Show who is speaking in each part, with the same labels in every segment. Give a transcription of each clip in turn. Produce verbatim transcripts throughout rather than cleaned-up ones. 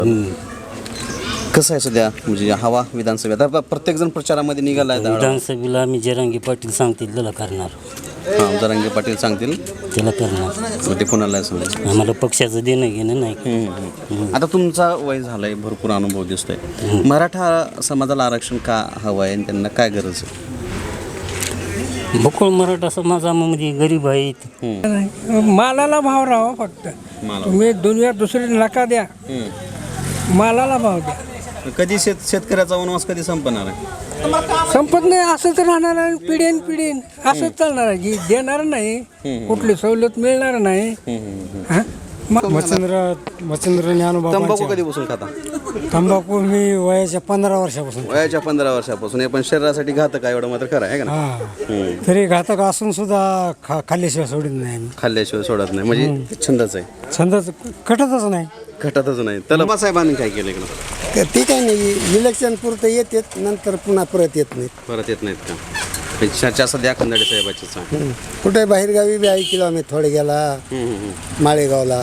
Speaker 1: कसं आहे सध्या म्हणजे हवा विधानसभेत आता प्रत्येक जण प्रचारामध्ये निघाला आहे.
Speaker 2: विधानसभेला आम्ही जरांगे पाटील सांगतील त्याला करणार.
Speaker 1: हां, जरांगे पाटील सांगतील
Speaker 2: त्याला करणार.
Speaker 1: मग ते कुणाला सांगेल.
Speaker 2: आम्हाला पक्षाचं देणं घेणं नाही.
Speaker 1: आता तुमचा वय झालाय, भरपूर अनुभव दिसतोय. मराठा समाजाला आरक्षण का हवं आहे आणि त्यांना काय गरज आहे?
Speaker 2: बकुळ मराठा समाजामध्ये गरीब आहेत.
Speaker 3: मालाला भाव राहा फक्त. तुम्ही दुनिया दुसरी नका द्या, मालाला भाव द्या.
Speaker 1: कधी शेत शेतकऱ्याचा वनवास कधी संपणार आहे?
Speaker 3: संपत नाही, असंच राहणार आहे. पिढीन पिढीन असंच चालणार आहे. जी देणार नाही, कुठली सवलत मिळणार नाही. हा?
Speaker 4: मच्छिंद्र मच्छिंद्र ज्ञानोबा
Speaker 1: तंबाखू कधी बसून खाता?
Speaker 4: तंबाखू मी वयाच्या पंधरा वर्षापासून.
Speaker 1: वयाच्या पंधरा वर्षापासून. हे पण शरीरासाठी घातक आहे, एवढं मात्र खरं आहे का ना?
Speaker 4: हा, तरी घातक असून सुद्धा खा खाल्ल्याशिवाय सोडित नाही आम्ही.
Speaker 1: खाल्ल्याशिवाय सोडत नाही म्हणजे छंदच आहे.
Speaker 4: छंदच कटतच नाही.
Speaker 1: घटतच नाही. त्याला साहेबांनी काय केलं इकडं?
Speaker 5: ते काय नाही, इलेक्शन पुरतं येतात, नंतर पुन्हा परत येत नाहीत.
Speaker 1: परत येत नाहीत का? चर्चा सध्या खंदाडे साहेबाचीच आहे.
Speaker 5: कुठे बाहेरगावी बी ऐकलो आम्ही, थोडे गेला माळेगावला.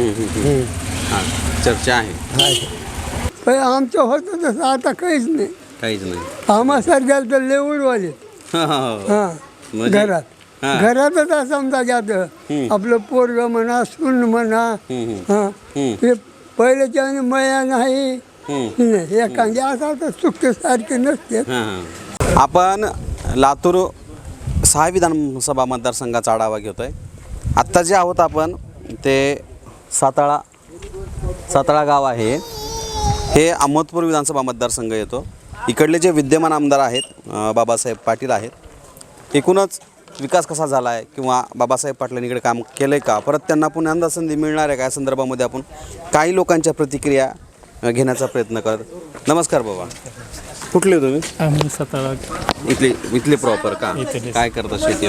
Speaker 1: हां, चर्चा आहे.
Speaker 5: पण आमचं होतं तसं आता काहीच नाही.
Speaker 1: काहीच नाही.
Speaker 5: आम्हा सारख्याला तर लेवडवाले
Speaker 1: हां, हां.
Speaker 5: हां
Speaker 1: म्हणजे?
Speaker 5: घरात
Speaker 1: हां.
Speaker 5: घरातच असं समजा जातं. आपलं पोरग म्हणा, सून म्हणा. हां, हे पहिल्याच्या आणि मया नाही. एखादी असा तर चुकते सारखे नसते.
Speaker 1: हां. आपण लातूर सहा विधानसभा मतदारसंघाचा आढावा घेतोय. आत्ता जे आहोत आपण ते साताळा साताळा गाव आहे. हे अहमदपूर विधानसभा मतदारसंघ येतो. इकडले जे विद्यमान आमदार आहेत बाबासाहेब पाटील आहेत. एकूणच विकास कसा झाला आहे किंवा बाबासाहेब पाटलांनी इकडे काम केलं आहे का, परत त्यांना पुन्हा संधी मिळणार आहे का, या संदर्भामध्ये आपण काही लोकांच्या प्रतिक्रिया घेण्याचा प्रयत्न करत. नमस्कार बाबा, कुठले तुम्ही?
Speaker 4: आम्ही सातारा
Speaker 1: इथले इथले प्रॉपर का? काय करता शेती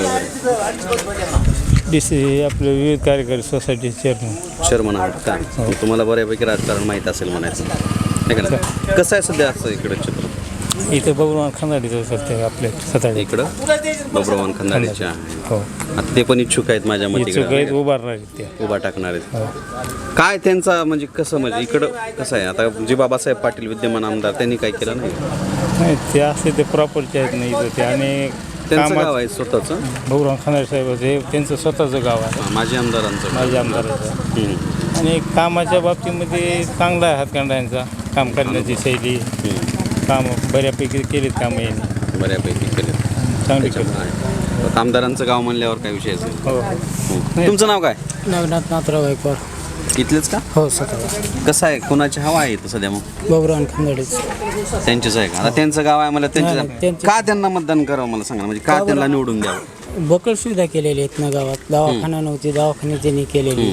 Speaker 1: वगैरे?
Speaker 4: डी सी आपले विविध कार्यकारी सोसायटी चेअरमन.
Speaker 1: चेअरमन आहात का? तुम्हाला बऱ्यापैकी राजकारण माहीत असेल म्हणायचं नाही का? कसं आहे सध्या असं इकडं चित्र?
Speaker 4: इथे बघून खंदाडीचं सत्य आपल्या सातारा.
Speaker 1: इकडं बब्रवान खंदाडीच्या
Speaker 4: हो,
Speaker 1: आता ते पण इच्छुक आहेत माझ्या मते
Speaker 4: काही उभारणार आहेत त्या.
Speaker 1: उभा टाकणार आहेत. काय त्यांचा म्हणजे कसं म्हणजे इकडं कसं आहे आता जे बाबासाहेब पाटील विद्यमान आमदार त्यांनी काय केलं नाही?
Speaker 4: नाही, ते असे ते प्रॉपरचे आहेत नाही इथं ते. आणि
Speaker 1: त्यांचं गाव आहे स्वतःचं.
Speaker 4: बघून खंदाडे साहेबाचं हे त्यांचं स्वतःचं गाव आहे.
Speaker 1: माझे आमदारांचं.
Speaker 4: माझ्या आमदाराचं. आणि कामाच्या बाबतीमध्ये चांगला आहे हातखंडांचा. काम करण्याची शैली, काम बऱ्यापैकी केलीत कामं यांनी.
Speaker 1: बऱ्यापैकी केले,
Speaker 4: चांगली केली.
Speaker 1: आमदारांचं गाव म्हणल्यावर काय विषय असेल.
Speaker 4: हो हो.
Speaker 1: तुमचं नाव काय?
Speaker 3: नवनाथ नाथराव गायकवाड.
Speaker 1: इथलेच का?
Speaker 3: हो, सातारा.
Speaker 1: कसं आहे, कोणाची हवा आहे इथं सध्या? मग
Speaker 3: बबुराव खंदाडेच.
Speaker 1: त्यांचीच आहे का? आता त्यांचं गाव आहे मला त्यांच्या
Speaker 3: त्यांचं-
Speaker 1: का त्यांना मतदान करावं मला सांगा, म्हणजे का त्यांना निवडून द्यावं?
Speaker 3: बकल सुविधा केलेल्या आहेत ना गावात. दवाखाना नव्हती, दवाखाने त्यांनी केलेली.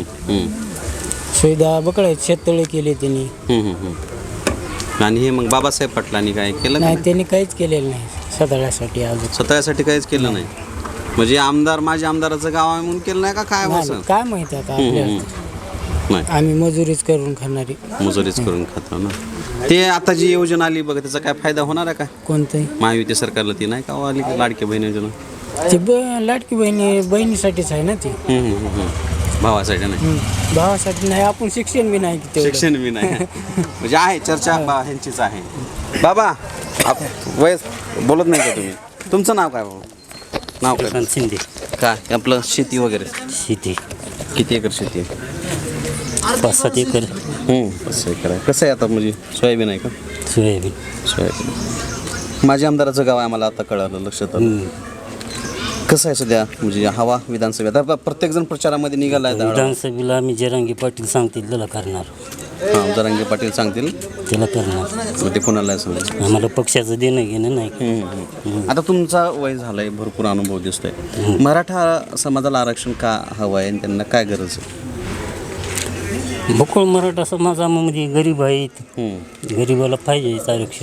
Speaker 3: सुविधा बकळ आहेत, शेततळे केले त्यांनी.
Speaker 1: हम्म, हम्म, हम्म. आणि हे मग बाबासाहेब पाटलांनी काय केलं
Speaker 3: नाही,
Speaker 1: नाही?
Speaker 3: त्यांनी काहीच केलेलं नाही सतळ्यासाठी अजून.
Speaker 1: स्वतःसाठी काहीच केलं नाही. म्हणजे आमदार माझ्या आमदाराचं गाव आहे म्हणून केलं नाही का काय?
Speaker 3: नाही, काय माहिती आता आपल्याला.
Speaker 1: नाही,
Speaker 3: आम्ही मजुरीच करून खाणारी.
Speaker 1: मजुरीच करून खातो ना. ते आता जी योजना आली बघा, त्याचा काय फायदा होणार आहे का?
Speaker 3: कोणतंही
Speaker 1: महायुती सरकारला ती नाही का हो आली लाडकी बहीण योजना?
Speaker 3: ती ब लाडकी बहिणी बहिणीसाठीच आहे ना ती.
Speaker 1: हम्म, हम्म, हम्म. भावासाठी नाही.
Speaker 3: हम्म. भावासाठी नाही. आपण शिक्षण बी नाही तेवढं.
Speaker 1: शिक्षण बी नाही. म्हणजे आहे चर्चा बा ह्यांचीच आहे. बाबा आप वयस बोलत नाही का तुम्ही? तुमचं नाव काय बाबा? नाव काय?
Speaker 2: श्रीकांत शिंदे.
Speaker 1: काय आपलं शेती वगैरे?
Speaker 2: शेती
Speaker 1: किती एकर शेती आहे?
Speaker 2: पाच सात एकर
Speaker 1: कसं एकर आहे? कसं आहे आता म्हणजे सोयाबीन आहे का?
Speaker 2: सोयाबीन.
Speaker 1: सोयाबीन. माझ्या आमदाराचं गाव आहे मला आता कळालं, लक्षात आलं. कसं आहे सध्या म्हणजे हवा विधानसभेत आता प्रत्येक जण प्रचारामध्ये निघाला आहे.
Speaker 2: विधानसभेला आम्ही जरांगे पाटील सांगतील त्याला करणार.
Speaker 1: हां, जरांगे पाटील सांगतील
Speaker 2: त्याला करणार.
Speaker 1: मग ते कोणाला सांगेल.
Speaker 2: आम्हाला पक्षाचं देणं घेणं नाही.
Speaker 1: आता तुमचा वय झालाय, भरपूर अनुभव दिसतोय. मराठा समाजाला आरक्षण का हवं आहे आणि त्यांना काय गरज आहे?
Speaker 2: बकुळ मराठा समाजामध्ये गरीब आहेत. गरीबाला पाहिजे आरक्षण.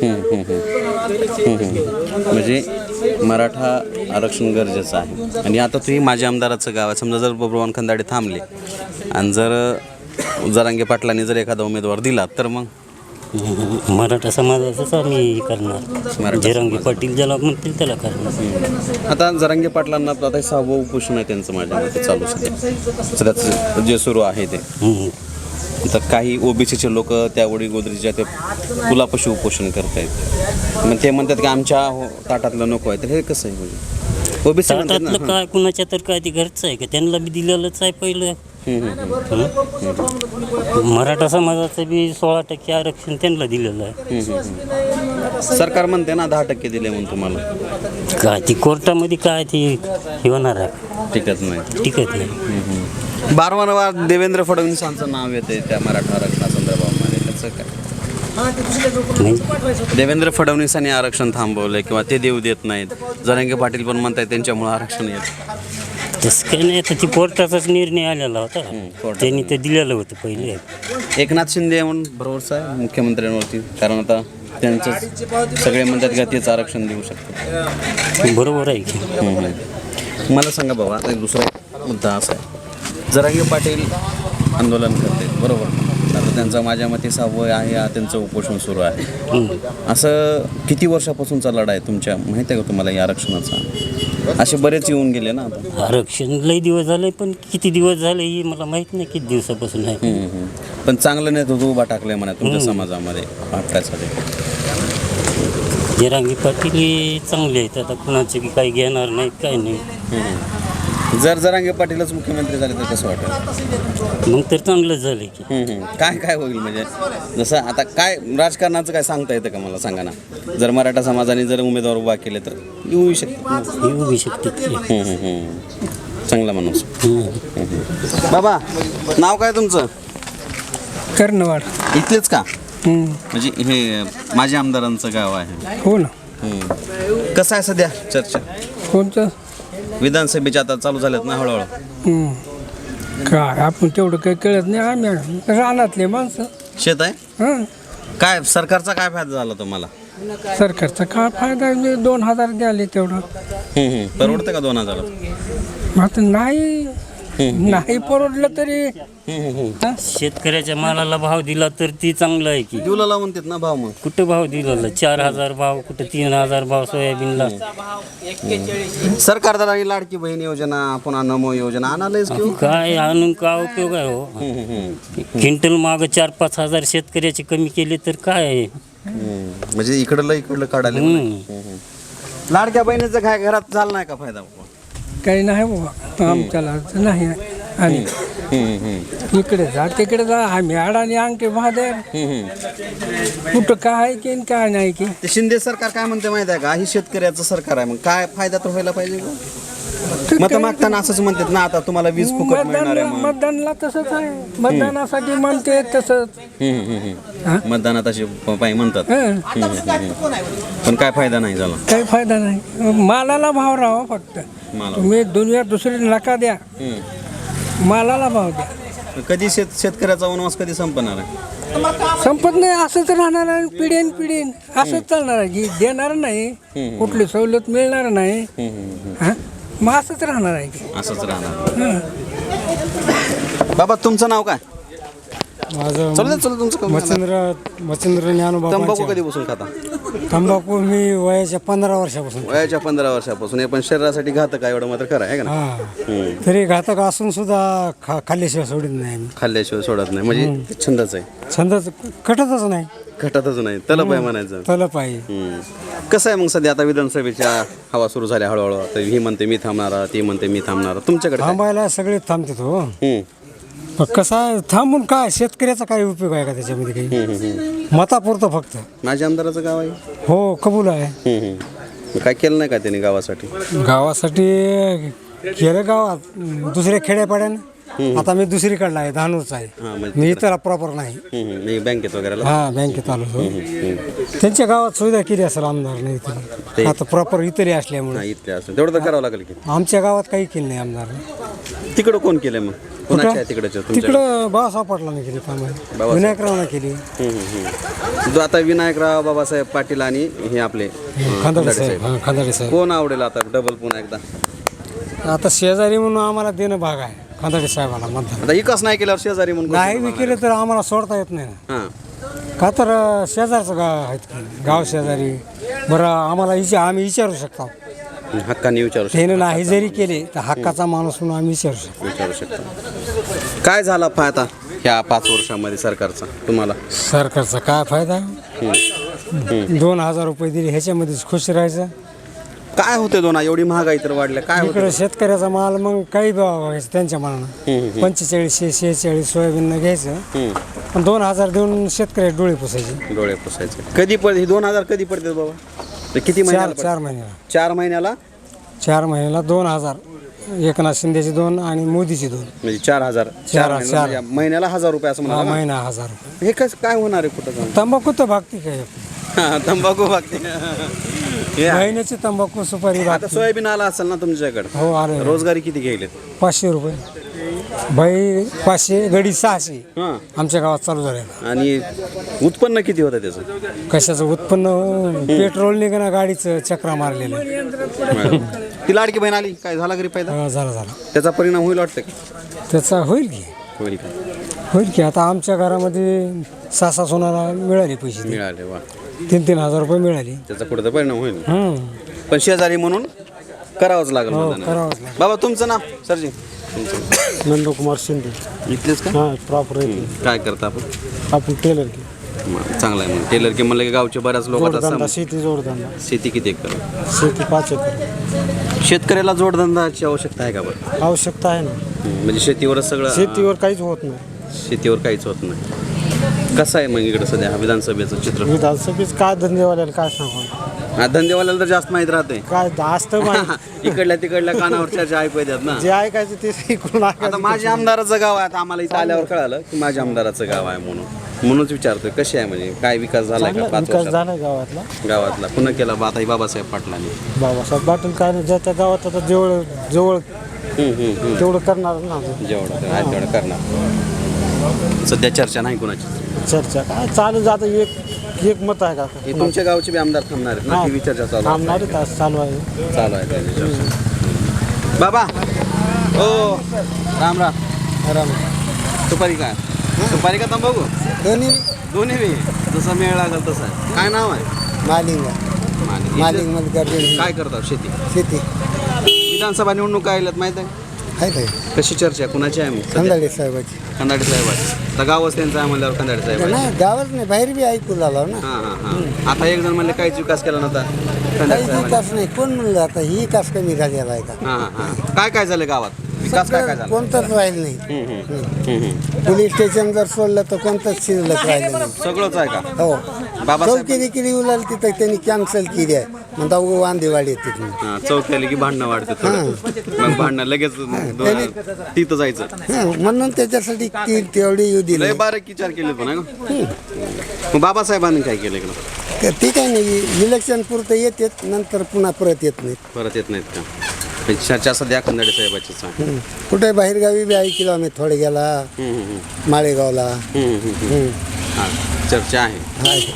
Speaker 1: म्हणजे मराठा आरक्षण गरजेचं आहे. आणि आता तुम्ही माझ्या आमदाराचं गाव आहे, समजा जर बब्रवान खंदाडे थांबले आणि जर जरांगे पाटलांनी जर एखादा उमेदवार दिला तर मग
Speaker 2: मराठा समाजाचंच आम्ही करणार. जरांगे पाटील ज्याला म्हणतील त्याला करणार.
Speaker 1: आता जरांगे पाटलांना आता सहावं उपोषण आहे त्यांचं माझ्या मते चालू सध्या सध्याचं जे सुरू आहे ते. तर काही ओबीसीचे लोक त्या वडी गोदरीच्या ते पुलापाशी उपोषण करत आहेत. मग ते म्हणतात की आमच्या हो- ताटातलं नको आहे. तर हे कसं आहे म्हणजे ओबीसी म्हणतात ना.
Speaker 2: ताटातलं काय कुणाच्या तर काय ते घरचं आहे का त्यांना बी दिलेलंच आहे पहिलं.
Speaker 1: हं, हं, हं.
Speaker 2: मराठा समाजाचं बी सोळा टक्के आरक्षण त्यांना दिलेलं आहे.
Speaker 1: सरकार म्हणते ना दहा टक्के दिले म्हणून तुम्हाला.
Speaker 2: काय ती कोर्टामध्ये काय ती हे होणार आहे
Speaker 1: टिकत नाही.
Speaker 2: टिकत नाही.
Speaker 1: बारवारंवार देवेंद्र फडणवीसांचं नाव येते त्या मराठा आरक्षणासंदर्भामध्ये. त्याचं काय
Speaker 2: म्हणजे
Speaker 1: देवेंद्र फडणवीसांनी आरक्षण थांबवलंय किंवा ते देऊ देत नाहीत. जरांगे पाटील पण म्हणतात त्यांच्यामुळे आरक्षण येत.
Speaker 2: तसं काही नाही. तर ती कोर्टाचाच निर्णय आलेला होता.
Speaker 1: कोर्टाचा
Speaker 2: त्यांनी ते दिलेलं होतं पहिले.
Speaker 1: एकनाथ शिंदे म्हणून भरोसा आहे मुख्यमंत्र्यांवरती, कारण आता त्यांचं सगळे म्हणतात का तेच आरक्षण देऊ शकतात.
Speaker 2: बरोबर आहे की.
Speaker 1: हम्म. मला सांगा बाबा, आता दुसरा एक मुद्दा असा आहे, जरांगे पाटील आंदोलन करते बरोबर. आता त्यांचा माझ्या मते सहावं आहे, हा त्यांचं उपोषण सुरू आहे. असं किती वर्षापासूनचा लढा आहे तुमच्या, माहिती आहे का तुम्हाला या आरक्षणाचा? असे बरेच येऊन गेले ना आता.
Speaker 2: आरक्षण लई दिवस झाले, पण किती दिवस झाले हे मला माहीत नाही किती दिवसापासून आहे.
Speaker 1: हम्म, हम्म. पण चांगलं नेतृत्व उभा टाकलंय म्हणा तुमच्या समाजामध्ये वाटण्यासाठी.
Speaker 2: जरांगी पाटील हे चांगले आहेत. आता कुणाचे की काही घेणार नाहीत काही नाही.
Speaker 1: जर जरांगे पाटीलच मुख्यमंत्री झाले तर कसं वाटेल?
Speaker 2: मग तर चांगलंच झालं की.
Speaker 1: हम्म, हम्म. काय काय होईल म्हणजे जसं आता काय राजकारणाचं काय सांगता येतं का मला सांगा ना. जर मराठा समाजाने जर उमेदवार उभा केले तर येऊ शकते.
Speaker 2: येऊ बी शकते की.
Speaker 1: हम्म, हम्म, हम्म. चांगला माणूस.
Speaker 2: हम्म.
Speaker 1: बाबा, नाव काय तुमचं?
Speaker 3: कर्णवाड.
Speaker 1: इथलेच का?
Speaker 3: हम्म.
Speaker 1: म्हणजे हे माझ्या आमदारांचं गाव आहे.
Speaker 3: हो ना.
Speaker 1: हम्म. कसं आहे सध्या चर्चा?
Speaker 3: कोणतं?
Speaker 1: विधानसभेच्या आता चालू झाल्यात ना हळूहळू.
Speaker 3: हम्म. काय आपण तेवढं काही कळत नाही. आम्ही रानातले माणसं.
Speaker 1: शेत आहे
Speaker 3: हां.
Speaker 1: काय सरकारचा काय फायदा झाला तुम्हाला?
Speaker 3: सरकारचा काय फायदा आहे? दोन हजार द्याले तेवढं.
Speaker 1: हम्म, हम्म. परवडतं का दोन हजार?
Speaker 3: आता नाही नाही परवडलं तरी हा?
Speaker 2: शेतकऱ्याच्या मालाला भाव दिला तर ती चांगलं आहे की.
Speaker 1: दिवला म्हणतात ना भाव. मग
Speaker 2: कुठं भाव दिलेला? चार हजार भाव, कुठं तीन हजार भाव सोयाबीनला.
Speaker 1: सरकार जरा ही लाडकी बहीण योजना, पुन्हा नमो योजना आणालंच की.
Speaker 2: काय आणून काय उपयोग आहे हो? क्विंटल माग चार पाच हजार शेतकऱ्याचे कमी केले तर काय आहे?
Speaker 1: म्हणजे इकडलं इकडलं काढायला.
Speaker 2: हम्म.
Speaker 1: लाडक्या बहिणीचं काय घरात झाला नाही का फायदा?
Speaker 3: काही नाही बाबा आमच्याला नाही. आणि इकडे जा तिकडे जा आम्ही अडाणी अंगठे महादेव कुठं काय की आणि काय नाही की.
Speaker 1: ते शिंदे सरकार काय म्हणते माहिती आहे का, ही शेतकऱ्याचं सरकार आहे, मग काय फायदा तर व्हायला पाहिजे का? मत मागताना असंच म्हणतात ना, आता तुम्हाला वीज फुकट मिळणार आहे
Speaker 3: मतदान
Speaker 1: मग.
Speaker 3: मतदानला तसंच आहे. मतदानासाठी म्हणते तसंच.
Speaker 1: हम्म, हम्म, हम्म. मतदानात असे पायी म्हणतात.
Speaker 3: हं.
Speaker 1: हम्म, हम्म, हम्म. पण काय फायदा नाही झाला.
Speaker 3: काही फायदा नाही. मालाला भाव राहा फक्त.
Speaker 1: मला
Speaker 3: तुम्ही दुनिया दुसरी नका द्या, मालाला भाव द्या.
Speaker 1: कधी शेत शेतकऱ्याचा वनवास कधी संपणार आहे?
Speaker 3: संपत नाही. असंच राहणार आहे पिढीन पिढीन असंच चालणार आहे की देणार नाही, कुठली सवलत मिळणार नाही. हा? मग असंच राहणार आहे की.
Speaker 1: असंच राहणार.
Speaker 3: हं.
Speaker 1: बाबा तुमचं नाव काय?
Speaker 6: माझं
Speaker 1: चल दे, चल तुमचं काम.
Speaker 6: मच्छिंद्र मच्छिंद्र ज्ञानोबा
Speaker 1: तंबाखू
Speaker 6: पांचाळ.
Speaker 1: कधी बसून खाता?
Speaker 6: तंबाखू मी वयाच्या पंधरा वर्षापासून.
Speaker 1: वयाच्या पंधरा वर्षापासून. हे पण शरीरासाठी घातक आहे एवढं मात्र खरं आहे का ना?
Speaker 6: हा तरी घातक असून सुद्धा खा खाल्ल्याशिवाय सोडित नाही आम्ही.
Speaker 1: खाल्ल्याशिवाय सोडत नाही म्हणजे ते छंदच आहे.
Speaker 6: छंदच कटतच नाही.
Speaker 1: घटातच नाही, तलप आहे म्हणायचं.
Speaker 6: तलप आहे.
Speaker 1: हम्म. कसं आहे मग सध्या आता विधानसभेच्या हवा सुरू झाल्या हळूहळू. आता ही म्हणते मी थांबणार, ती म्हणते मी थांबणार. तुमच्याकडे काय?
Speaker 6: थांबायला सगळे थांबतात हो.
Speaker 1: हम्म.
Speaker 6: पण कसं आहे थांबून काय शेतकऱ्याचा काय उपयोग आहे का त्याच्यामध्ये काही?
Speaker 1: हम्म, हम्म.
Speaker 6: मतापुरतं फक्त.
Speaker 1: माझ्या आमदाराचं गाव आहे.
Speaker 6: हो कबूल आहे.
Speaker 1: हम्म, हम्म. काय केलं नाही का त्यांनी गावासाठी?
Speaker 6: गावासाठी केलं गावात दुसऱ्या खेड्यापाड्यानं. आता मी दुसरीकडला आहे, धानूरचा आहे.
Speaker 1: हां म्हणजे
Speaker 6: मी इतर प्रॉपर नाही.
Speaker 1: हम्म, हम्म. मी बँकेत वगैरे.
Speaker 6: हा बँकेत आलो होतो. त्यांच्या गावात सुविधा केली असेल आमदार नाही
Speaker 1: ते-
Speaker 6: आता प्रॉपर इतरी असल्यामुळे.
Speaker 1: नाही इथले असं तेवढं तर करावं लागेल की.
Speaker 6: आमच्या गावात काही केलं नाही आमदार.
Speaker 1: तिकडं कोण केलंय मग? कोणाच्या आहे तिकडच्या तुमच्या?
Speaker 6: तिकडं बाळासाहेब पाटलाने केली कामं, विनायकरावनं केली,
Speaker 1: हम्म, हम्म, हम्म. जो आता विनायकराव बाबासाहेब पाटील आणि हे आपले अं,
Speaker 6: खांदाडे
Speaker 1: खंदाडे
Speaker 6: साहेब. हा खांदाडे साहेब.
Speaker 1: कोण आवडेल आता डबल पुन्हा एकदा?
Speaker 6: आता शेजारी म्हणून आम्हाला देणं भाग आहे खांदाडे साहेबाला मतदान.
Speaker 1: आता इकच नाही केल्यावर शेजारी म्हणून
Speaker 6: नाही बी केलं तर आम्हाला सोडता येत नाही ना.
Speaker 1: हां.
Speaker 6: का तर अं, शेजारचं गाव आहेत की गाव शेजारी. बरं आम्हाला विचार आम्ही विचारू शकतो.
Speaker 1: हक्काने विचारू शकतो.
Speaker 6: त्यानं नाही जरी केले तर हक्काचा माणूस म्हणून आम्ही विचारू शकतो.
Speaker 1: विचारू शकतो. काय झाला फायदा ह्या पाच वर्षामध्ये सरकारचा तुम्हाला?
Speaker 6: सरकारचा काय फायदा? दोन हजार रुपये दिले ह्याच्यामध्येच खुश राहायचं.
Speaker 1: काय होते दोन एवढी महागाई तर वाढल्या, काय
Speaker 6: इकडे
Speaker 1: होतं?
Speaker 6: शेतकऱ्याचा माल मग काही भाव व्हायचं त्यांच्या मनानं. पंचेचाळीसशे शेहेचाळीस सोयाबीन घ्यायचं, पण दोन हजार देऊन शेतकरी डोळे पुसायचे.
Speaker 1: डोळे पुसायचे. कधी पड दोन हजार कधी पडतात बाबा? ते किती
Speaker 6: चार
Speaker 1: महिन्याला
Speaker 6: चार
Speaker 1: पडतात?
Speaker 6: महिन्याला
Speaker 1: चार महिन्याला
Speaker 6: चार महिन्याला दोन हजार. एकनाथ शिंदेचे दोन आणि मोदीचे दोन.
Speaker 1: म्हणजे चार हजार
Speaker 6: चार-
Speaker 1: महिन्याला
Speaker 6: चार.
Speaker 1: म्हणजे महिन्याला हजार रुपये असं
Speaker 6: हा,
Speaker 1: म्हणा.
Speaker 6: महिना हजार रुपये.
Speaker 1: हे कसं काय होणार आहे कुठं जाऊन?
Speaker 6: तंबाखू तर भागती काय?
Speaker 1: हा, तंबाखू बागते. हे आहे.
Speaker 6: महिन्याची तंबाखू सुपारी
Speaker 1: आता
Speaker 6: भागती.
Speaker 1: सोयाबीन आला असेल ना तुमच्याकडे?
Speaker 6: हो आले.
Speaker 1: रोजगारी किती घ्यायलेत?
Speaker 6: पाचशे रुपये बाई, पाचशे गडी सहाशे
Speaker 1: हां.
Speaker 6: आमच्या गावात चालू झालेलं.
Speaker 1: आणि उत्पन्न किती होतं त्याचं?
Speaker 6: कशाचं उत्पन्न? पेट्रोल निघणं गाडीचं चक्रा मारलेलं.
Speaker 1: ती लाडकी बहीण आली, काय झाला घरी फायदा?
Speaker 6: हा, झालं झालं.
Speaker 1: त्याचा परिणाम होईल वाटतं का?
Speaker 6: त्याचा होईल की
Speaker 1: होईल का?
Speaker 6: होईल की आता आमच्या घरामध्ये सहा सहा सोनाला मिळाले पैसे ते.
Speaker 1: मिळाले वा.
Speaker 6: तीन तीन हजार रुपये मिळाले.
Speaker 1: त्याचा कुठं तर परिणाम होईल.
Speaker 6: हम्म.
Speaker 1: पण शेजारी म्हणून करावंच लागेल
Speaker 6: हो,
Speaker 1: मतदान.
Speaker 6: करावंच लागेल.
Speaker 1: बाबा तुमचं नाव सरजी? तुमचं
Speaker 6: नंदकुमार शिंदे.
Speaker 1: इथलेच का?
Speaker 6: हां, प्रॉपर
Speaker 1: काय करता आपण?
Speaker 6: आपण टेलर की
Speaker 1: मग चांगलं आहे. मग टेलर की म्हणलं की गावचे बऱ्याच लोक
Speaker 6: जोडधंदा, शेती जोडधंदा.
Speaker 1: शेती किती एकर?
Speaker 6: शेती पाच एकर.
Speaker 1: शेतकऱ्याला जोडधंद्याची आवश्यकता आहे का बरं?
Speaker 6: आवश्यकता आहे ना.
Speaker 1: म्हणजे शेतीवरच सगळं?
Speaker 6: शेतीवर काहीच होत नाही.
Speaker 1: शेतीवर काहीच होत नाही. कसं आहे मग इकडं सध्या हा विधानसभेचं चित्र?
Speaker 6: विधानसभेच काय धंदेवाल्याला काय सांगू?
Speaker 1: हा, धंदेवाल्याला तर जास्त माहीत राहते.
Speaker 6: काय असतं माहिती.
Speaker 1: इकडल्या तिकडल्या कानावर चर्चा ऐकू येतात ना.
Speaker 6: जे ऐकायचं ते इकडून
Speaker 1: आता
Speaker 6: ऐकायचं.
Speaker 1: माझ्या आमदाराचं गाव आहे. आता आम्हाला इथं आल्यावर कळालं की माझ्या आमदाराचं गाव आहे म्हणून म्हणूनच विचारतोय कशी आहे, म्हणजे काय विकास झाला का
Speaker 6: चांगला
Speaker 1: पाच
Speaker 6: विकास
Speaker 1: वर्षात
Speaker 6: झाला गावातला.
Speaker 1: गावातला? पुन्हा केला बा आता ही बाबासाहेब पाटलांनी.
Speaker 6: बाबासाहेब पाटील काय नाही, ज्या त्या गावात आता जवळ जवळ
Speaker 1: हम्म, हम्म, हम्म.
Speaker 6: तेवढं करणार ना.
Speaker 1: जेवढं आहे तेवढं करणार. सध्या चर्चा नाही कुणाची.
Speaker 6: चर्चा काय चालू जातं. एक एक मत आहे का?
Speaker 1: हे तुमच्या गावचे बी आमदार थांबणार आहेत ना? ती चर्चा चालू आहे.
Speaker 6: थांबणार आहे, तास चालू आहे.
Speaker 1: चालू आहे त्याची चर्चा. बाबा ओ राम राम.
Speaker 6: आराम.
Speaker 1: सुपारी काय? सुपारी का तंबाखू?
Speaker 5: दोन्ही
Speaker 1: दोन्ही बी जसं मेळ लागेल तसं आहे. काय नाव आहे?
Speaker 5: मालिंग
Speaker 1: मालिक.
Speaker 5: मालिंग मध्ये करते
Speaker 1: काय करतात शेती?
Speaker 5: शेती
Speaker 1: विधानसभा निवडणूक आल्यात माहित आहे?
Speaker 5: आहे काय?
Speaker 1: कशी चर्चा आहे? कुणाची आहे मग सध्या?
Speaker 5: खंदाडे साहेबाची.
Speaker 1: खंदाडे साहेब. तर गावच त्यांचं आहे म्हणल्यावर खंदाडे साहेब आहे.
Speaker 5: नाही गावात नाही, बाहेर बी ऐकू लागलो ना.
Speaker 1: हां हां हां. आता एक जण म्हणले काहीच विकास केला नव्हता खंदाडे
Speaker 5: काही
Speaker 1: साहेब.
Speaker 5: विकास नाही. कोण म्हणलं आता ही विकास कमी झालेला आहे का?
Speaker 1: हां हां. काय काय झालं गावात? विकास काय काय
Speaker 5: सगळं
Speaker 1: झाला?
Speaker 5: कोणतंच राहिलं नाही.
Speaker 1: हम्म, हम्म, हम्म, हम्म.
Speaker 5: पोलीस स्टेशन जर सोडलं तर कोणतंच शिल्लक राहिलं नाही.
Speaker 1: सगळंच आहे का?
Speaker 5: हो.
Speaker 1: बाबासाहेब
Speaker 5: चौकी किती उलाल तिथं त्यांनी कॅन्सल केली आहे. म्हणता उगं वांदेवाडी येते तुम्ही.
Speaker 1: हां, चौक आली की भांडणं वाढते थोडं. मग भांडणं लगेच दोन- तिथं जायचं.
Speaker 5: हं, म्हणून त्याच्यासाठी ती तेवढी येऊ दिली.
Speaker 1: लय बारीक विचार केले पण आहे का? मग बाबासाहेबांनी काय केलं इकडं?
Speaker 5: तर ती काही नाही, इलेक्शन पुरतं येतात, नंतर पुन्हा परत येत नाहीत.
Speaker 1: परत येत नाहीत का? पण चर्चा सध्या खंदाडे साहेबाचीच आहे.
Speaker 5: हं. कुठे बाहेरगावी बी ऐकलो आम्ही थोडे गेला
Speaker 1: हम्म, हम्म, हम्म.
Speaker 5: माळेगावला.
Speaker 1: हम्म, हम्म, हम्म.
Speaker 5: हं.
Speaker 1: हां, चर्चा आहे.
Speaker 5: आहे.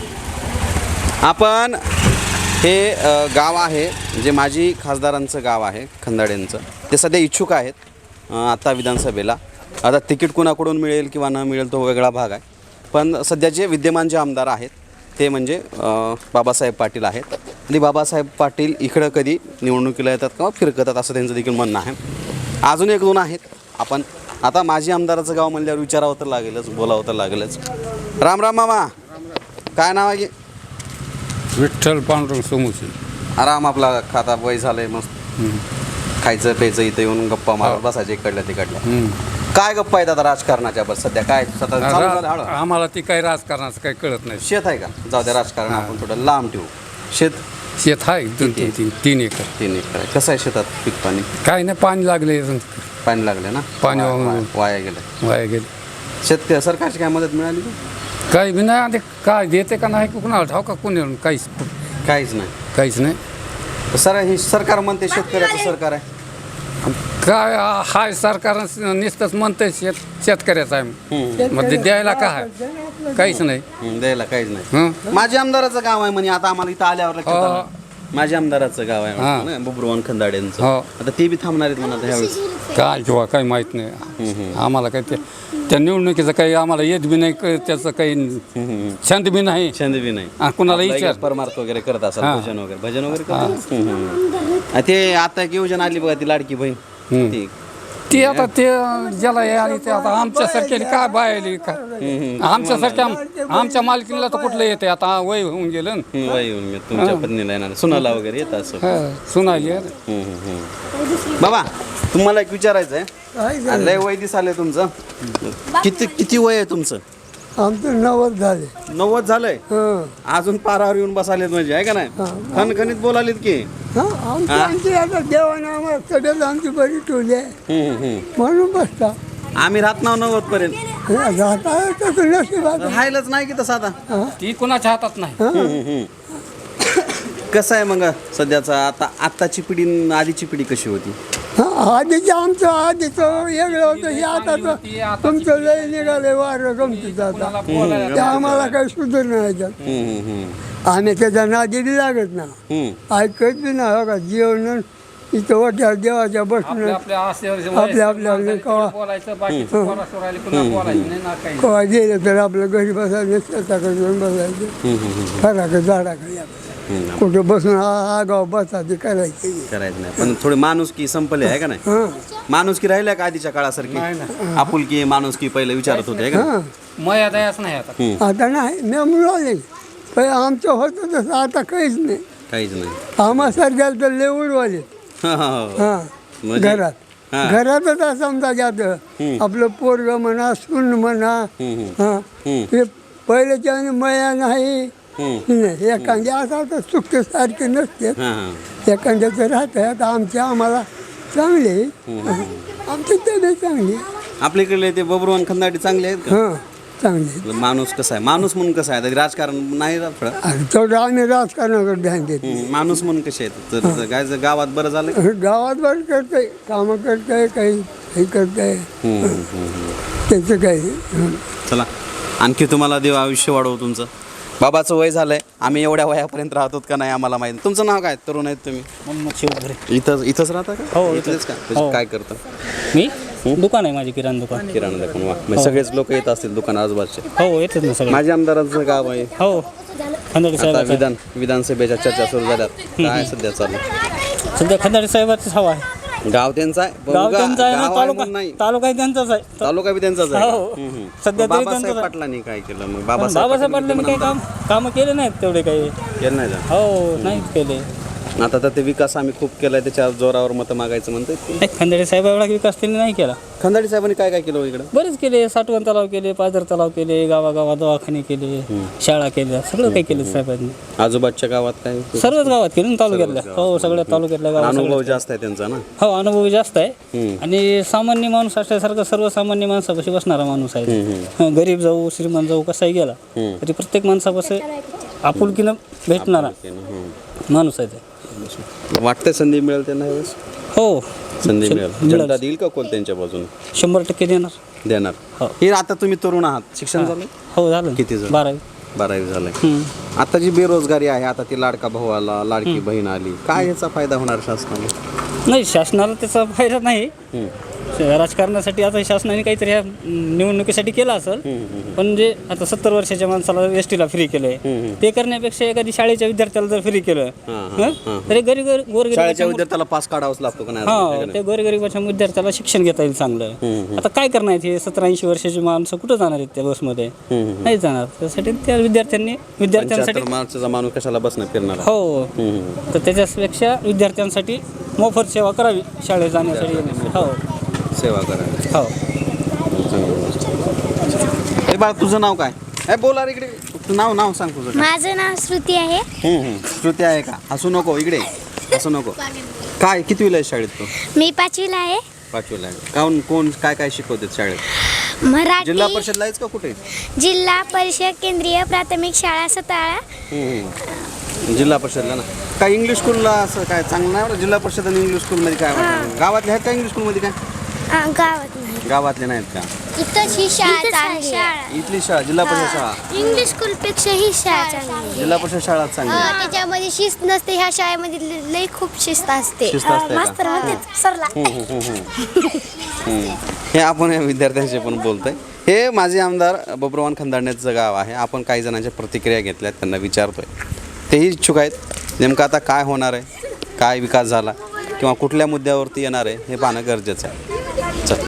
Speaker 1: आपण हे अ, गाव आहे जे माजी खासदारांचं गाव आहे खंदाड्यांचं. ते सध्या इच्छुक आहेत अ, आता विधानसभेला. आता तिकीट कुणाकडून मिळेल किंवा न मिळेल तो वेगळा भाग आहे. पण सध्या जे विद्यमान जे आमदार आहेत ते म्हणजे अ, बाबासाहेब पाटील आहेत. आणि बाबासाहेब पाटील इकडं कधी निवडणुकीला येतात किंवा फिरकतात असं त्यांचं देखील म्हणणं आहे. अजून एक दोन आहेत. आपण आता माजी आमदाराचं गाव म्हणल्यावर विचारावं तर लागेलच, बोलावं तर लागेलच. राम राम मामा. काय नाव आहे?
Speaker 7: विठ्ठल पांडुरंग सोमुशी.
Speaker 1: आराम आपला खाता वय झालंय मस्त. खायचं प्यायचं इथं येऊन गप्पा मारत बसायचे इकडल्या तिकडल्या. काय गप्पा आहेत आता राजकारणाच्या बस सध्या काय सतत चालू झालं हळू?
Speaker 7: आम्हाला ती काही राजकारणाचं काही कळत नाही.
Speaker 1: शेत आहे का? जाऊ द्या राजकारण आपण थोडं लांब ठेवू. शेत
Speaker 7: शेत आहे दोन तीन तीन तीन एकर.
Speaker 1: तीन एकर आहे. कसं आहे शेतात पीक पाणी?
Speaker 7: काही नाही, पाणी लागले,
Speaker 1: पाणी लागले ना?
Speaker 7: पाणी
Speaker 1: वाया-
Speaker 7: वाहून-
Speaker 1: वाया- वाया गेलं.
Speaker 7: वाया गेले.
Speaker 1: शेत सरकारची काय मदत मिळाली का?
Speaker 7: काही बी नाही. आता काय देते का नाही कुणाला ठाव का कोणी काहीच
Speaker 1: काहीच नाही.
Speaker 7: काहीच नाही.
Speaker 1: सर हे सरकार म्हणते शेतकऱ्याचं सरकार आहे.
Speaker 7: काय हाय सरकार नुसतंच म्हणतंय शेत शेतकऱ्याचं आहे. मग ते द्यायला काय आहे? काहीच नाही.
Speaker 1: हं, द्यायला काहीच नाही.
Speaker 7: हं?
Speaker 1: माझ्या आमदाराचं गाव आहे म्हणे. आता आम्हाला इथं आल्यावर लक्षात
Speaker 7: हो.
Speaker 1: आलं. माझ्या आमदाराचं गाव आहे
Speaker 7: हां.
Speaker 1: वाटतं ना, बुबरुवान खंदाड्यांचं.
Speaker 7: हो.
Speaker 1: आता ते बी थांबणार आहेत म्हणा ह्यावेळेस.
Speaker 7: काय किंवा काही माहीत नाही आम्हाला. काही ते त्या निवडणुकीचं काही आम्हाला येत बी नाही, क- त्याचं काही छंद बी नाही.
Speaker 1: छंद बी नाही.
Speaker 7: आ, कुणाला
Speaker 1: आपलं
Speaker 7: विचार.
Speaker 1: एक परमार्थ वगैरे करत असाल,
Speaker 7: हां.
Speaker 1: भजन वगैरे भजन वगैरे करत असाल? हं, हं. आणि ते आता एक योजना आली बघा ती लाडकी बहीण
Speaker 7: हं.
Speaker 1: ती
Speaker 7: ते आता ते ज्याला हे आली ते आता आमच्यासारख्याने काय बायली का आमच्यासारख्या आमच्या मालकीला तर कुठलं येते आता वय होऊन गेलं ना.
Speaker 1: हं, वय येऊन गेलं. तुमच्या पत्नीला येणार सुनाला वगैरे येत असं.
Speaker 7: हा, सुनाली आहे.
Speaker 1: हं, हं, हं. बाबा तुम्हाला एक विचारायचं आहे. लय वय दिसाले तुमचं. किती किती वय आहे तुमचं?
Speaker 5: आमचं नवद झाले.
Speaker 1: नव्वद झालंय.
Speaker 5: हं.
Speaker 1: अजून पारावर येऊन बसालेत म्हणजे आहे का नाही? खणखणीत बोलालेत की.
Speaker 5: हा, आमची आमची आता देवानं आम्हाला तब्येत आमची बरी ठेवली आहे
Speaker 1: हं, हं, हं.
Speaker 5: म्हणून बसता
Speaker 1: आम्ही राहत नाव नव्वद पर्यंत
Speaker 5: राहता तसं नशिबात आहे.
Speaker 1: राहिलंच नाही की तसं आता.
Speaker 7: ती कुणाच्या हातात नाही.
Speaker 1: कसं आहे मग सध्याचा आता आत्ताची पिढी आणि आधीची पिढी कशी होती?
Speaker 5: हा, आधीचं आमचं आधीचं वेगळं होतं हे आताचं तुमचं लय निघाले वारं गमतीचं आता ते आम्हाला काही सुधर नाही त्यात.
Speaker 1: हं, हं, हं.
Speaker 5: आम्ही त्याच्या नादी लागत ना
Speaker 1: हं.
Speaker 5: ऐकत बी ना हो का जेवण इथं वाट्या देवाच्या बसून
Speaker 7: आपल्या
Speaker 5: आपल्या आपल्या कवा
Speaker 7: बोलायचं बाकी बोलायचं नाही ना काही.
Speaker 5: कवा गेलं तर आपलं घरी बसायचं शेताकडे जाऊन बसायचं फराकडे झाडाकडे कुठं बसून आगाव बसा ते करायचे.
Speaker 1: करायचं नाही पण थोडी माणुसकी संपली आहे का नाही?
Speaker 5: हां
Speaker 1: माणुसकी राहिल्या का आधीच्या काळासारखी? आपुलकी माणुसकी पहिले विचारत होते आहे का नाही?
Speaker 5: हां
Speaker 7: मया दयाच नाही आता.
Speaker 5: आता नाही मी आले पण आमचं होतं तसं आता काहीच नाही.
Speaker 1: काहीच नाही.
Speaker 5: आम्हा सारख्याला तर लेवडवाले
Speaker 1: हा, हा, हा.
Speaker 5: हां
Speaker 1: म्हणजे?
Speaker 5: घरात
Speaker 1: हां.
Speaker 5: घरातच असं समजा जातं आपलं पोरग म्हणा सून म्हणा हां हे पहिल्याच्या आणि मया नाही नाही एखाद्या असं तर सुख सारखे नसते
Speaker 1: हा, हा.
Speaker 5: एखाद्याचं राहतं आता आमच्या आम्हाला चांगले आमची तब्येत चांगली
Speaker 1: आपल्या इकडले ते बबरूवान खंदाटी चांगले आहेत का?
Speaker 5: हां चांगली.
Speaker 1: माणूस कसा आहे माणूस म्हणून कसा आहे आता राजकारण नाही राहत थोडं.
Speaker 5: आणि तेवढं आम्ही राजकारणाकडे ध्यान देतो.
Speaker 1: हं, माणूस म्हणून कसे आहेत तर तर काय जर गावात बरं झालं?
Speaker 5: गावात बरं करतंय कामं करतंय काही हे करतंय
Speaker 1: हं, हं, हं.
Speaker 5: त्याचं काही हं.
Speaker 1: चला आणखी तुम्हाला देव आयुष्य वाढवू तुमचं. बाबाचं वय झालंय आम्ही एवढ्या वयापर्यंत राहतो का नाही आम्हाला माहिती. तुमचं नाव काय? तरुण आहेत तुम्ही? इथंच इथंच राहता का?
Speaker 2: हो,
Speaker 1: इथलेच का?
Speaker 2: हो.
Speaker 1: काय करता?
Speaker 2: मी दुकान आहे माझे किराणा दुकान.
Speaker 1: किराणा दुकान. वा म्हणजे सगळेच लोक येत असतील दुकान आजूबाजूचे.
Speaker 2: हो येतात ना सगळे.
Speaker 1: माझ्या आमदारांचं गाव आहे.
Speaker 2: हो खंदाडे
Speaker 1: आता
Speaker 2: साहेबाचं
Speaker 1: विधान विधानसभेच्या चर्चा सुरू झाल्यात काय सध्या चालू?
Speaker 2: सध्या खंदाडे साहेबाचंच हवा आहे.
Speaker 1: गाव त्यांचं आहे पण
Speaker 2: गाव
Speaker 1: गा-
Speaker 2: त्यांचा आहे ना,
Speaker 1: गाव आहे
Speaker 2: तालुका
Speaker 1: म्हणून नाही
Speaker 2: तालुका त्यांचाच आहे.
Speaker 1: तालुका बी त्यांचाच आहे.
Speaker 2: हो.
Speaker 1: हं, हं.
Speaker 2: सध्या
Speaker 1: मग
Speaker 2: तरी
Speaker 1: बाबासाहेब
Speaker 2: त्यांचाच आहे.
Speaker 1: पाटलांनी काय केलं मग?
Speaker 2: पण
Speaker 1: बाबासाहेब
Speaker 2: बाबासाहेब पाटलांनी काही काम कामं केले नाहीत तेवढे काही.
Speaker 1: केलं नाही का?
Speaker 2: हो नाहीच केले.
Speaker 1: आता तर ते विकास आम्ही खूप केलाय त्याच्या जोरावर मतं मागायचं म्हणतात.
Speaker 2: नाही खंदाडे साहेब एवढा विकास त्यांनी नाही केला.
Speaker 1: खंदाडी साहेबांनी काय काय केलं हो इकडं?
Speaker 2: बरेच केले. साठवण तलाव केले, पाझर तलाव केले, गावागावात दवाखाने केले, शाळा केल्या, सगळं काही केलं साहेबांनी.
Speaker 1: आजूबाजूच्या गावात काय?
Speaker 2: सर्वच गावात केलं ना तालुक्यातल्या. हो सगळ्या तालुक्यातल्या गावात
Speaker 1: अनुभव जास्त आहे त्यांचा ना.
Speaker 2: हो अनुभव जास्त आहे.
Speaker 1: हम्म.
Speaker 2: आणि सामान्य माणूस असल्यासारखं सर्वसामान्य माणसापाशी बसणारा माणूस आहे. हं, गरीब जाऊ श्रीमंत जाऊ कसाही गेला तरी प्रत्येक माणसापाशी आपुलकीनं भेटणारा माणूस आहे ते.
Speaker 1: वाटतंय संधी मिळेल त्यांना यावेळेस?
Speaker 2: हो
Speaker 1: संधी मिळेल.
Speaker 2: मिळेल.
Speaker 1: जनता देईल का कोल त्यांच्या बाजूने?
Speaker 2: शंभर टक्के देणार.
Speaker 1: देणार.
Speaker 2: हो.
Speaker 1: हे आता तुम्ही तरुण आहात शिक्षण झालं?
Speaker 2: हो झालं
Speaker 1: किती झालं?
Speaker 2: बारावी.
Speaker 1: बारावी झालंय.
Speaker 2: हं.
Speaker 1: आता जी बेरोजगारी आहे आता ती लाडका भाऊ आला लाडकी बहीण आली काय याचा फायदा होणार शासनाला?
Speaker 2: नाही शासनाला त्याचा फायदा नाही.
Speaker 1: हं.
Speaker 2: राजकारणासाठी आता शासनाने काहीतरी ह्या निवडणुकीसाठी केलं असेल. पण जे आता सत्तर वर्षाच्या माणसाला एस टीला फ्री केलंय ते करण्यापेक्षा एखादी शाळेच्या विद्यार्थ्याला जर फ्री केलं हं, तरी गरीब
Speaker 1: शाळेच्या
Speaker 2: गोरगरीब
Speaker 1: विद्यार्थ्याला पास काढावाच लागतो का
Speaker 2: हा
Speaker 1: नाही?
Speaker 2: ते गोरगरिबाच्या विद्यार्थ्याला शिक्षण घेता येईल चांगलं. आता काय करणार आहेत हे सतरा ऐंशी वर्षाची माणसं कुठं जाणार आहेत त्या बसमध्ये? नाही जाणार. त्यासाठी त्या विद्यार्थ्यांनी विद्यार्थ्यांसाठी
Speaker 1: पंच्याहत्तर मार्चचा माणूस कशाला बसणं फिरणार?
Speaker 2: हो तर त्याच्यापेक्षा विद्यार्थ्यांसाठी मोफत सेवा करावी शाळेत जाण्यासाठी. हो
Speaker 1: सेवा करा.
Speaker 2: हो
Speaker 1: ए बाळ तुझं नाव काय? ए बोला रे इकडे. तू नाव नाव सांग तुझं काय?
Speaker 8: माझं नाव श्रुती आहे.
Speaker 1: हं, हं. श्रुती आहे का? हसू नको इकडे हसू नको. काय कितवीला आहे शाळेत तू?
Speaker 8: मी पाचवीला आहे.
Speaker 1: पाचवीला आहे. काऊन कोण काय काय शिकवतात शाळेत?
Speaker 8: मराठी
Speaker 1: जिल्हा परिषदला आहेच का कुठे?
Speaker 8: जिल्हा परिषद केंद्रीय प्राथमिक शाळा सताळा.
Speaker 1: हं, हं. जिल्हा परिषदला ना. काय इंग्लिश स्कूलला असं काय चांगलं नाही बरं? जिल्हा परिषद आणि इंग्लिश स्कूलमध्ये काय वाटतं? गावातले आहेत का इंग्लिश स्कूलमध्ये काय?
Speaker 8: आ, गावात नाही.
Speaker 1: गावातले नाहीत का?
Speaker 8: इथंच ही शाळा चांगली आहे.
Speaker 1: इथली शाळा जिल्हा परिषद शाळा
Speaker 8: इंग्लिश स्कूल पेक्षा ही शाळा चांगली आहे.
Speaker 1: जिल्हा परिषद शाळा चांगली आहे.
Speaker 8: हा, त्याच्यामध्ये शिस्त नसते. ह्या शाळेमध्ये ल- लई खूप शिस्त असते.
Speaker 1: शिस्त असते का?
Speaker 8: मास्तर म्हणते सरला.
Speaker 1: हं. हे आपण या विद्यार्थ्यांशी पण बोलतोय. हे माझे आमदार बबरूवान खंदाडण्याचं गाव आहे. आपण काही जणांच्या प्रतिक्रिया घेतल्यात त्यांना विचारतोय. तेही इच्छुक आहेत नेमकं आता काय होणार आहे काय विकास झाला किंवा कुठल्या मुद्द्यावरती येणार आहे हे पाहणं गरजेचं आहे.